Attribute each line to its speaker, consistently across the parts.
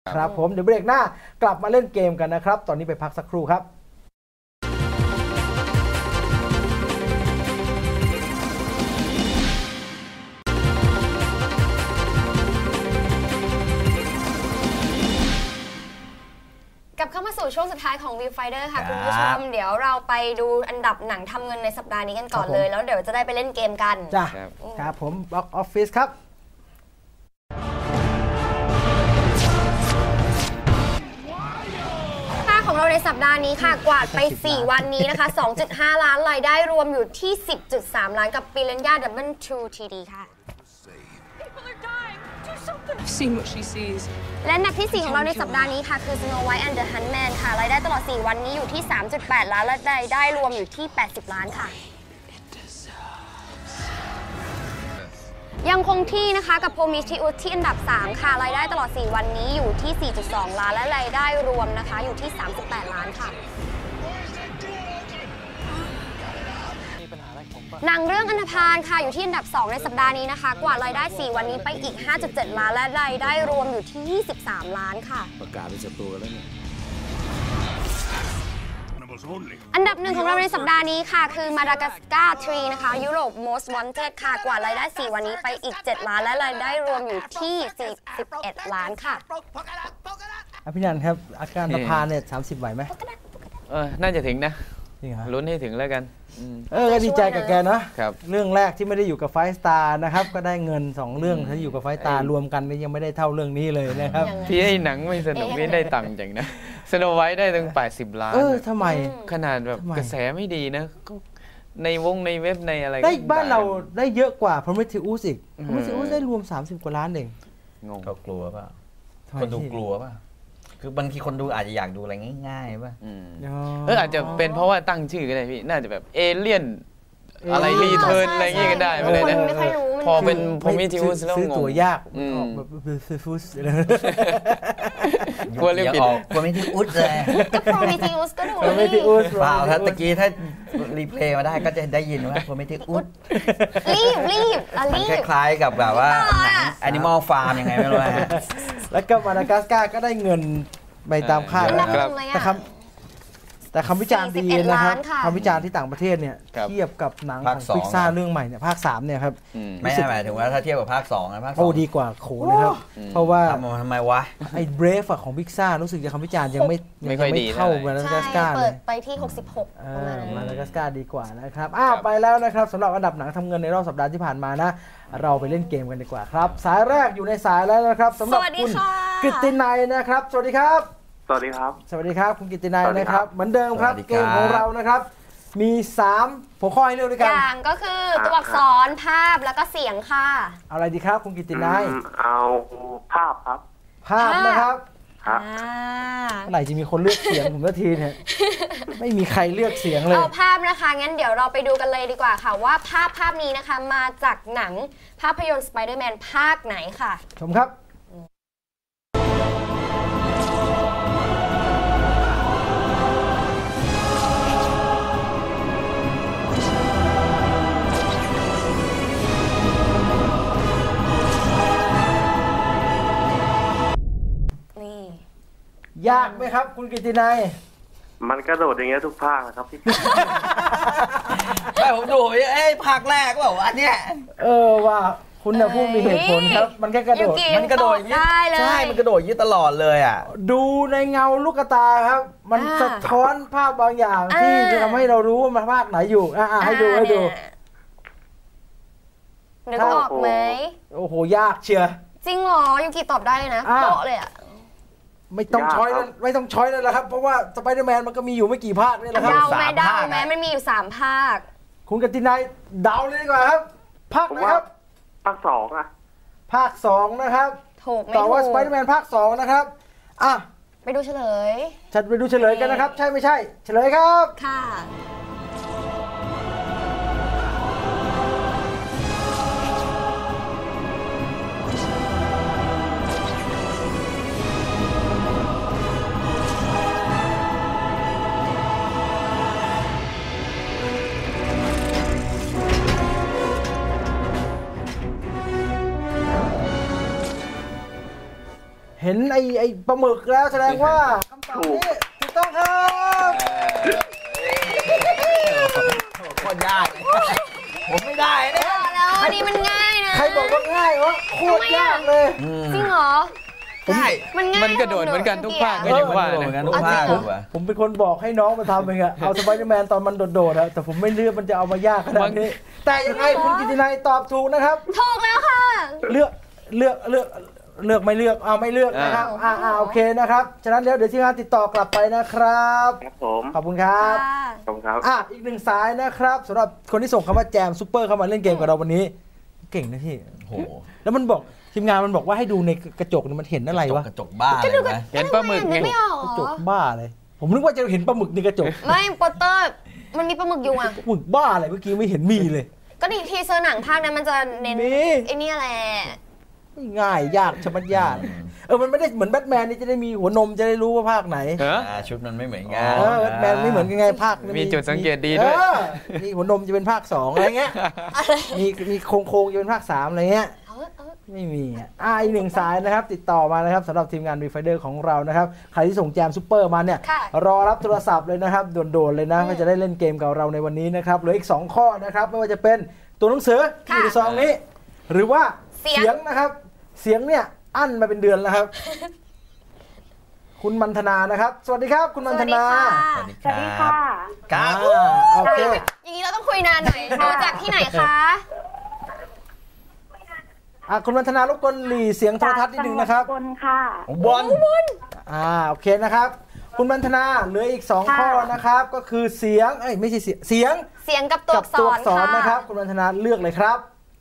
Speaker 1: ครับผมเดี๋ยวเบรกหน้ากลับมาเล่นเกมกันนะครับตอนนี้ไปพักสักครู่ครับ
Speaker 2: กลับเข้ามาสู่ช่วงสุดท้ายของ Viewfinder ค่ะคุณผู้ชมเดี๋ยวเราไปดูอันดับหนังทำเงินในสัปดาห์นี้กันก่อนเลยแล้วเดี๋ยวจะได้ไปเล่นเกมกัน
Speaker 1: จ้ะครับผม Box Office ครับ
Speaker 2: ของเราในสัปดาห์นี้ค่ะกวาดไป4วันนี้นะคะ 2.5 ล้านรายได้รวมอยู่ที่ 10.3 ล้านกับปิเรนยาดับเบิลทูทีดีค่ะและอันดับที่ 4 ของเราในสัปดาห์นี้ค่ะคือ Snow White and the Huntsman ค่ะรายได้ตลอด4วันนี้อยู่ที่ 3.8 ล้านและรายได้รวมอยู่ที่80ล้านค่ะยังคงที่นะคะกับ Prometheus ที่อันดับ3ค่ะรายได้ตลอด4วันนี้อยู่ที่ 4.2 ล้านและรายได้รวมนะคะอยู่ที่38ล้านค่ะหนังเรื่องอันธพาลค่ะอยู่ที่อันดับ2ในสัปดาห์นี้นะคะกว่ารายได้4วันนี้ไปอีก 5.7 ล้านและรายได้รวมอยู่ที่23ล้านค่ะ
Speaker 3: ประกาศเป็นศัตรูแล้วเนี่ย
Speaker 2: อันดับ1ของเราในสัปดาห์นี้ค่ะคือ Madagascar 3 นะคะ Europe Most Wanted ค่ะกว่ารายได้4วันนี้ไปอีก7ล้านและรายได้รวมอยู่ที่41ล้านค่ะ
Speaker 1: พี่นันครับอาการอันธพาลเนี่ย30ไหวไหม
Speaker 4: น่าจะถึงนะลุ้นให้ถึงแล้วกัน
Speaker 1: ก็ดีใจกับแกนะเรื่องแรกที่ไม่ได้อยู่กับไฟสตาร์นะครับก็ได้เงิน2เรื่องที่อยู่กับไฟสตาร์รวมกันยังไม่ได้เท่าเรื่องนี้เลยนะครับ
Speaker 4: ที่ไอ้หนังไม่สนุกนี่ได้ตังค์จังนะสโนไวท์ได้ถึง80ล้าน
Speaker 1: ทำไม
Speaker 4: ขนาดแบบกระแสไม่ดีนะในเว็บในอะไร
Speaker 1: ได้บ้านเราได้เยอะกว่า Prometheus อีก Prometheus ได้รวม30กว่าล้านเอง
Speaker 3: งงเขากลัวป่ะคนดูกลัวป่ะคือบางทีคนดูอาจจะอยากดูอะไรง่ายๆป่ะ
Speaker 4: อาจจะเป็นเพราะว่าตั้งชื่อก็ได้พี่น่าจะแบบเอเลี่ยนอะไรรีเทิร์นอะไรเงี้ยก็ได้ไปเลยนะพอเป็นPrometheusแล้ว
Speaker 1: ซื้อตัวยากแบบPrometheus
Speaker 4: กลัวเรื่องปิด
Speaker 3: Prometheus เลย
Speaker 2: ก็ Prometheus ก็ดู
Speaker 3: เปล่าถ้าตะกี้ถ้ารีเพลย์มาได้ก็จะได้ยินว่าPrometheus
Speaker 2: รีบ
Speaker 3: มันคล้ายๆกับแบบว่าหนัง Animal Farm ยังไงไม่รู้ฮะ
Speaker 1: แล้วก็มาดากัสการ์ก็ได้เงินไปตามคาดแต่คำวิจารณ์ดีนะครับคำวิจารณ์ที่ต่างประเทศเนี่ยเทียบกับหนังของพิกซ่าเรื่องใหม่เนี่ยภาค3เนี่ยครับ
Speaker 3: ไม่ใช่หมายถึงว่าถ้าเทียบกับภาค2นะภาค
Speaker 1: 2ดีกว่าโขเลยครับเพราะว่า
Speaker 3: ทำไมวะ
Speaker 1: ไอ้เบรฟของพิกซ่ารู้สึกจะคำวิจารณ์ยังไม่
Speaker 4: ค่อยดี
Speaker 1: เข้ามาดากัสการ์เลย
Speaker 2: ไปที่66
Speaker 1: มาดากัสการ์ดีกว่านะครับไปแล้วนะครับสำหรับอันดับหนังทำเงินในรอบสัปดาห์ที่ผ่านมานะเราไปเล่นเกมกันดีกว่าครับสายแรกอยู่ในสายแล้วนะครับสำหรับคุณกฤตินัยนะครับสวัสดีครับ
Speaker 5: สวัสดีครับ
Speaker 1: สวัสดีครับคุณกิตตินัยนะครับเหมือนเดิมครับเกมของเรานะครับมี3หัวข้อให้เลือกด้วยกัน
Speaker 2: อย่างก็คือตัวอักษรภาพแล้วก็เสียงค่ะ
Speaker 1: เอาอะไรดีครับคุณกิตตินัย
Speaker 5: เอาภาพครับ
Speaker 1: ภาพนะครับ
Speaker 5: เ
Speaker 1: มื่อไหร่จะมีคนเลือกเสียงผมสักทีเนี่ยไม่มีใครเลือกเสียงเลย
Speaker 2: เอาภาพนะคะงั้นเดี๋ยวเราไปดูกันเลยดีกว่าค่ะว่าภาพนี้นะคะมาจากหนังภาพยนตร์ Spider-Man ภาคไหนค่ะ
Speaker 1: ชมครับยากไหมครับคุณกิตตินัย
Speaker 5: มันกระโดดอย่างเงี้ยทุกภาคนะครับพี่
Speaker 3: ไม่ผมดูภาคแรกว่าอันเนี้ย
Speaker 1: ว่าคุณน่ะพูดมีเหตุผลครับมันแค่กระโดด
Speaker 2: มันกระโดด
Speaker 3: ใช่มันกระโดดยี่ตลอดเลยอ่ะ
Speaker 1: ดูในเงาลูกตาครับมันสะท้อนภาพบางอย่างที่จะทำให้เรารู้ว่ามันภาคไหนอยู่ให้ดู
Speaker 2: นึกออกไหม
Speaker 1: โอ้โหยากเชียร์
Speaker 2: จริงเหรอยูกิตอบได้เลยนะโป๊ะเลยอ่ะ
Speaker 1: ไม่ต้องช้อยแล้วนะครับเพราะว่าสไปเดอร์แมนมันก็มีอยู่ไม่กี่ภาคนี่แหละครับ
Speaker 2: เดาแม้มันมีอยู่3ภาค
Speaker 1: คุณกฤตินัยเดาเลยดีกว่าครับภาคไหนครับ
Speaker 5: ภาค2อ่ะ
Speaker 1: ภาค2นะครับ
Speaker 2: ถูกไม่ถูก
Speaker 1: ต่อว่าสไปเดอร์แมนภาค2นะครับ
Speaker 2: ไปดูเฉลย
Speaker 1: ไปดูเฉลยกันนะครับใช่ไม่ใช่เฉลยครับ
Speaker 2: ค่ะ
Speaker 1: เห็ห็นไอ้ปลาหมึกแล้วแสดงว่าคำตอบนี้ถูกต้องครับ
Speaker 3: โคตรยากผมไม่ได้เนี่ย
Speaker 2: แล้วอันนี้มันง่ายนะ
Speaker 1: ใครบอกว่าง่ายวะโคตรยากเลย
Speaker 2: จริงเหรอ
Speaker 3: ง่าย
Speaker 2: มันง่าย
Speaker 4: มันกระโดดเหมือนกันทุกภาคก็ยังว่า
Speaker 3: เหมือนกัน
Speaker 4: นะ
Speaker 3: ทุกภาค
Speaker 1: ผมเป็นคนบอกให้น้องมาทำเองอะเอาสไปเดอร์แมนตอนมันโดดๆอะแต่ผมไม่เลือกมันจะเอามายากขนาดนี้แต่ยังไงคุณกิตินัยตอบถูกนะครับ
Speaker 2: ถูกแล้วค่ะ
Speaker 1: เลือกไม่เลือกไม่เลือกนะครับโอเคนะครับฉะนั้นเดี๋ยวทีมงานติดต่อกลับไปนะครับ
Speaker 5: ครับผม
Speaker 1: ขอบคุณครับ
Speaker 5: ขอบคุณครับ
Speaker 1: อีกหนึ่งสายนะครับสำหรับคนที่ส่งคำว่าแจมซุปเปอร์เข้ามาเล่นเกมกับเราวันนี้เก่งนะพี่
Speaker 3: โห
Speaker 1: แล้วมันบอกทีมงานมันบอกว่าให้ดูในกระจกมันเห็นอะไรวะ
Speaker 3: กระจกบ้าเลยนะ
Speaker 4: เห็นปลาหมึกไง
Speaker 2: ไม่ออก
Speaker 1: กระจกบ้าเลยผมนึกว่าจะเห็นปลาหมึกในกระจก
Speaker 2: ไม่โปสเตอร์มันมีปลาหมึกอยู่อ่ะ
Speaker 1: ปลาหมึกบ้าอะไรเมื่อกี้ไม่เห็นมีเลย
Speaker 2: ก็ดีทีเซอร์หนังภาคนั้นมันจะเน้น
Speaker 1: มี
Speaker 2: ไอ้นี่แหละ
Speaker 1: ง่ายยากชะมัดยากมันไม่ได้เหมือนแบทแมนนี่จะได้มีหัวนมจะได้รู้ว่าภาคไหน
Speaker 4: เหรอ
Speaker 3: ชุดมันไม่เหมือนกัน
Speaker 1: แบทแมนไม่เหมือนกันไงภาค
Speaker 4: มีจุดสังเกตดีด้วย
Speaker 1: มีหัวนมจะเป็นภาค2อะไรเงี้ยมีโครงจะเป็นภาค3อะไรเงี้ยไม่มีอีกหนึ่งสายนะครับติดต่อมานะครับสำหรับทีมงาน Refider ของเรานะครับใครที่ส่งแจมซุปเปอร์มาเนี่ยรอรับโทรศัพท์เลยนะครับด่วนๆเลยนะก็จะได้เล่นเกมกับเราในวันนี้นะครับเหลืออีก2ข้อนะครับไม่ว่าจะเป็นตัวหนังสือที่อยู่ในซองนี้หรือว่าเสียงนะครับเสียงเนี่ยอั้นมาเป็นเดือนแล้วครับ คุณมันธนานะครับสวัสดีครับคุณมันธนา
Speaker 3: สวัสดีค่ะครับ
Speaker 1: โอเค
Speaker 2: อย่างนี้เราต้องคุยนานหน่อยดูจากที่ไหนคะ
Speaker 1: คุณมันธนารบกวนหลีเสียงโทรทัศน์นิดนึงนะครับ
Speaker 6: บนค่ะ
Speaker 3: บอล
Speaker 1: โอเคนะครับคุณมันธนาเหลืออีก2ข้อนะครับก็คือเสียงไม่ใช่เสียง
Speaker 2: กับตัวอักษร
Speaker 1: นะครับคุณมันธนาเลือกเลยครับ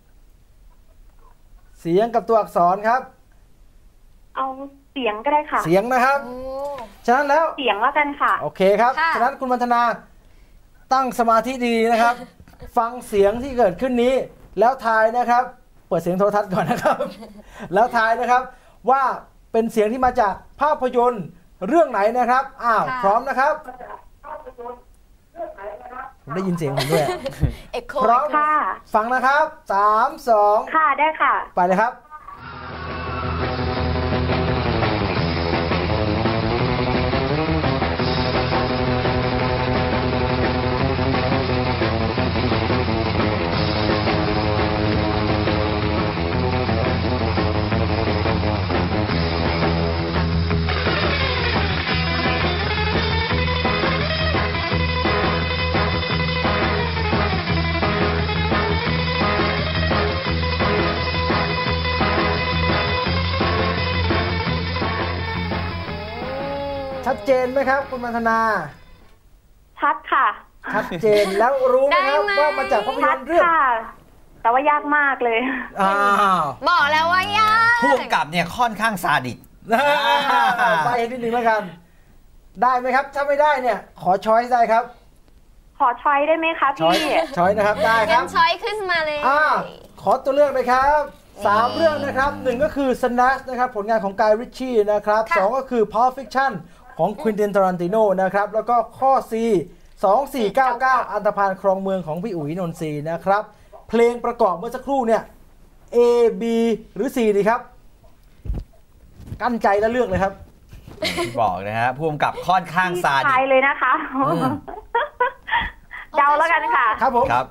Speaker 1: เสียงกับตัวอักษรครับ
Speaker 6: เอาเสียงก็ได้ค่ะ
Speaker 1: เสียงนะครับฉะนั้นแล้ว
Speaker 6: เสียงแล้วกันค่ะ
Speaker 1: โอเคครับฉะนั้นคุณมันธนาตั้งสมาธิดีนะครับ ฟังเสียงที่เกิดขึ้นนี้แล้วทายนะครับเปิดเสียงโทรทัศน์ก่อนนะครับ แล้วทายนะครับว่าเป็นเสียงที่มาจากภาพยนตร์เรื่องไหนนะครับพร้อมนะครับผมได้ยินเสียงผมด้วยพร้อม
Speaker 6: ค่ะ
Speaker 1: ฟังนะครับ3 2
Speaker 6: ค่ะได้ค่ะ
Speaker 1: ไปเลยครับชัดเจนไหมครับคุณมันธนา
Speaker 6: ชัดค่ะ
Speaker 1: ชัดเจนแล้วรู้ไหมครับว่ามาจากภาพย
Speaker 6: ชั
Speaker 1: น
Speaker 6: ด
Speaker 1: ตร์เรื่อง
Speaker 6: ค่ะ แต่ว่ายากมากเลย
Speaker 2: บอกแล้วว่ายาก
Speaker 3: ผู้กำกับเนี่ยค่อนข้างซาดิส
Speaker 1: ไปนิดนึงแล้วกัน ได้ไหมครับถ้าไม่ได้เนี่ยขอช้อยส์ได้ครับ
Speaker 6: ขอช้อยได้ไหมคะพี่
Speaker 1: ช้อยนะครับได้ค
Speaker 2: งั้
Speaker 1: รับ
Speaker 2: นช้อยขึ้นมาเลย
Speaker 1: ขอตัวเลือกเลยครับ3เรื่องนะครับ1ก็คือ Snatch นะครับผลงานของกายริชชี่นะครับ2ก็คือ Pulp Fiction ของควินติน ทารันติโนนะครับแล้วก็ข้อ C 2499 อันธพาลครองเมืองของพี่อุ๋ยนนทรีนะครับเพลงประกอบเมื่อสักครู่เนี่ย A B หรือ C ดีครับกั้นใจแล้วเลือกเลยครับ
Speaker 3: บอกนะฮะผู้กำกับค่อนข้างซาดิ
Speaker 6: ทาย
Speaker 3: ส
Speaker 6: เลยนะคะ เดาแล้วกันค่ะ
Speaker 1: ครับผม
Speaker 3: ครับ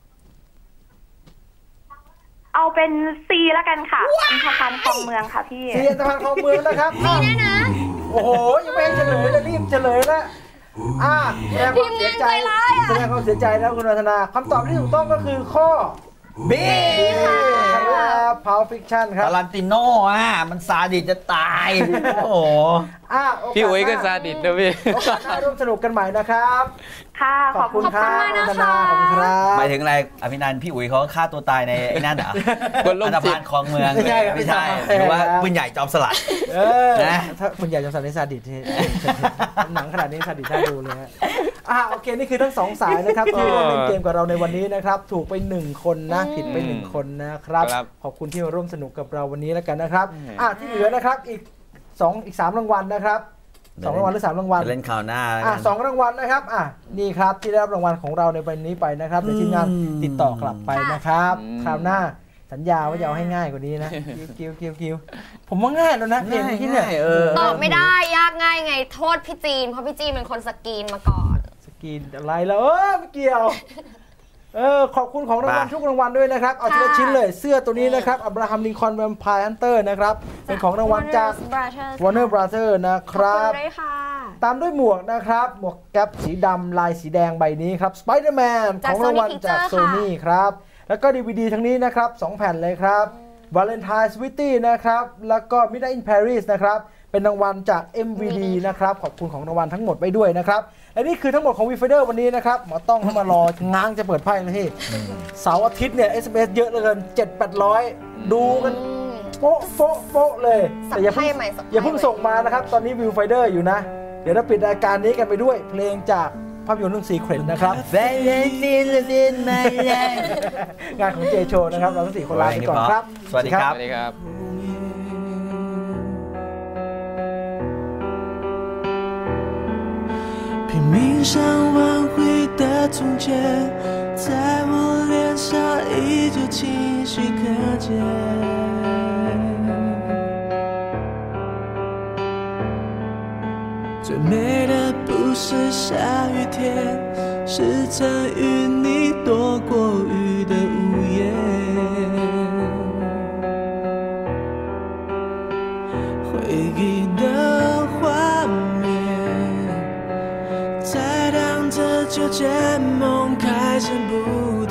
Speaker 6: เอาเป็น C แล้วกันค่ะอันธพาลคลองเมืองค่ะพี่
Speaker 1: C อันธพาลครองเมืองนะครับ
Speaker 2: นี่แน่นะ
Speaker 1: โอ้โหยังไม่ให้เฉลยเลยรีบเฉลยแล้วแสดงความเสียใจแสดงความเสียใจแล้วคุณวัฒนาคำตอบที่ถูกต้องก็คือข้อ
Speaker 3: B
Speaker 1: ครับ Pulp Fiction ครับ
Speaker 3: ทารันติโน่มันซาดิสจะตาย โอ้โห
Speaker 4: พี่อุ๋ยก็ซาดิสนะพี่
Speaker 1: โอกาสหน้าร่วมสนุกกันใหม่นะครับ
Speaker 6: ค่ะ
Speaker 1: ขอบคุณครับ
Speaker 2: ขอบคุณมากนะคะ
Speaker 1: วัฒนาขอบคุณครับ
Speaker 3: หมายถึงอะไรอภินันท์พี่อุ๋ยเขาฆ่าตัวตายในไอ้นั่นเหรอ
Speaker 4: คนโรคจิต
Speaker 3: อันธพาลคลองเมือง
Speaker 1: ไม่ใช่ครับ
Speaker 3: ไม่ใช่
Speaker 1: ไม่ใช่
Speaker 3: หรือว่า
Speaker 1: ครับ
Speaker 3: ปืนใหญ่จอมสลัด นะ
Speaker 1: ถ้าคุณอยากจะสั่นในซาดิสที่หนังขนาดนี้ซาดิสน่าดูเลยฮะโอเคนี่คือทั้งสองสายนะครับที่ร่วมเล่นเกมกับเราในวันนี้นะครับถูกไป1คนนะผิดไป1คนนะครับ
Speaker 4: ครับ
Speaker 1: ขอบคุณที่มาร่วมสนุกกับเราวันนี้แล้วกันนะครับที่เหลือนะครับอีก3รางวัลนะครับ2รางวัลหรือ3รางวัล
Speaker 3: จะเล่นข่าวหน้าแล้วกัน
Speaker 1: 2รางวัลนะครับนี่ครับที่ได้รับรางวัลของเราในวันนี้ไปนะครับเดี๋ยวทีมงานติดต่อกลับไปนะครับคราวหน้าสัญสัญญาว่าจะเอาให้ง่ายกว่านี้นะกิ้วผมว่าง่ายแล้วนะเพลงที่เนี่ย
Speaker 2: ตอบไม่ได้ยากง่ายไงโทษพี่จีนเพราะพี่จีนเป็นคนสกรีนมาก่อน
Speaker 1: สกรีนอะไรแล้วไม่เกี่ยวขอบคุณของรางวัลทุกรางวัลด้วยนะครับเอาทีละชิ้นเลยเสื้อตัวนี้นะครับอับราฮัมลิงคอล์นแวมไพร์ฮันเตอร์นะครับเป็นของรางวัลจาก Warner Brothers นะครับตามด้วยหมวกนะครับหมวกแก๊ปสีดำลายสีแดงใบนี้ครับ Spider-Man ของรางวัลจาก Sony ครับแล้วก็ DVD ทั้งนี้นะครับ2แผ่นเลยครับ Valentine Sweetie นะครับแล้วก็ Midnight in Paris นะครับเป็นรางวัลจาก MVD นะครับขอบคุณของรางวัลทั้งหมดไปด้วยนะครับและนี่คือทั้งหมดของวีไฟเดอร์วันนี้นะครับหมอต้องเข้ามารอง้างจะเปิดไพ่เลยที่เสาร์อาทิตย์เนี่ย SMS เยอะเหลือเกิน 7-800 ดูกันโป๊ะเลยแต่อย่าเพิ่งส่งมานะครับตอนนี้วิวไฟเดอร์อยู่นะเดี๋ยวเราปิดรายการนี้กันไปด้วยเพลงจากภาพยนตร์เรื่อง Secret นะครับงานของเจโชนะครับเราทั้ง4คนลาไปก่อนครับ
Speaker 3: สวัสดีครับ
Speaker 7: 拼命想挽回的从前，在我脸上依旧清晰可见。最美的不是下雨天，是曾与你躲过雨的屋檐。回忆的画面在荡着秋千梦开成蝴蝶，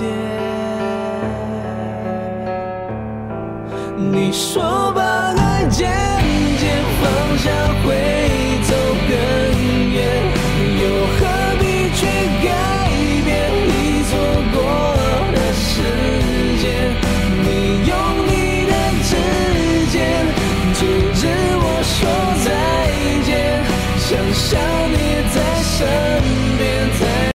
Speaker 7: 你说把爱渐渐放下会走更远，又何必去改变已错过的时间？你用你的指尖阻止我说再见，想象你在身